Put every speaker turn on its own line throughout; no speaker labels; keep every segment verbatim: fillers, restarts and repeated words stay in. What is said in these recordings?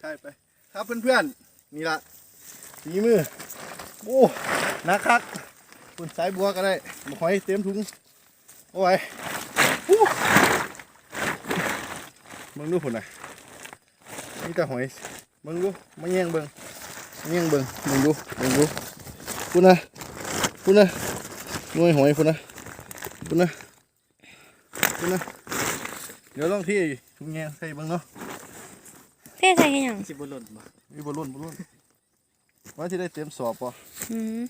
ใช่ไปครับเพื่อนๆนี่ละฝีมือโอ้นักคักคุณสายบัวก็ได้มาหอยเต็มถุงโอ้ยมึงดูผลน่ะนี่แต่หอยมึงดูมาแย่งเบิ่งมาแย่งเบิ่งมึงดูมึงดูคุณนะคุณนะหน่วยหอยคุณนะคุณนะคุณนะเดี๋ยวลองที่ถุงแยงใส่เบิ่งเนาะ
เท่ใส่ยัง
สิบหล่นบ่
มีบอลลูนบอลลูนว่าที่ได้เต็มสอบป่ะ
อืม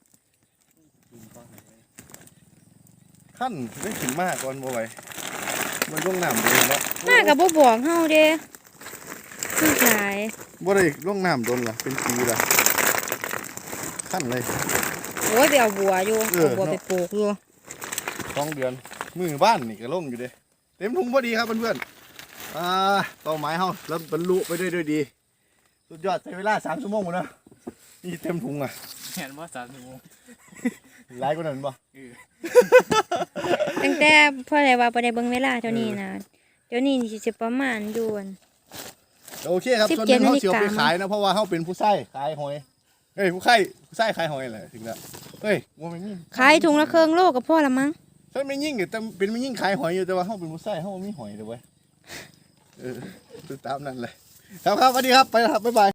ขั้นได้ถึงมากก่อนบ่ไหวมันล่วงน้ำเลยเนาะ
มากับบ่บอกเฮาเด้คือหลาย
บ่ได้ล่วงน้ำโดนล่ะเป็นปีละขั้นเลย
โอ้ยไปเอาบัวอยู่
เออ
เอาบัวไปปลูกอยู่
สองเดือนมือบ้านนี่ก็ล่งอยู่เด้เต็มถุงพอดีครับเพื่อนๆอ่าเป้าหมายเฮาแล้วบรรลุไปด้วยด้วยดีสุดยอดใช้เวลาสามชั่วโมงหมดนะนี่เต็มถุงอ่ะ
เห็นว่าสามชั่วโมง
หลายกว่านั้นบ่
เออ
ตั้งแต่เพื่ออะไรว่าบ่ได้เบิ่งเวลาเท่านี้นะเดี๋ยวนี้สิจะประมาณอยู่อั่น
โอเคครับ
สิบ
ส่วนห
เจ็
นึ
ด
งเขาเสียวไป
นาฬิกา
ขายนะเพราะว่าเขาเป็นผู้ใช้ขายหอยเฮ้ยผู้ใช้ผู้ใช้ขายหอยแหละถึงแล้วเฮ้ยว่าไม่ยิ่ง
ขายถุงละครึ่งโลก็พอละมั้ง
ใช่ไม่ยิ่งแต่เป็นไม่ยิ่งขายหอยอยู่แต่ว่าเขาเป็นผู้ใช้เขาไม่มีหอยเลยเว้ยเออตามนั่นเลยครับครับสวัสดีครับไปแล้วครับบ๊ายบาย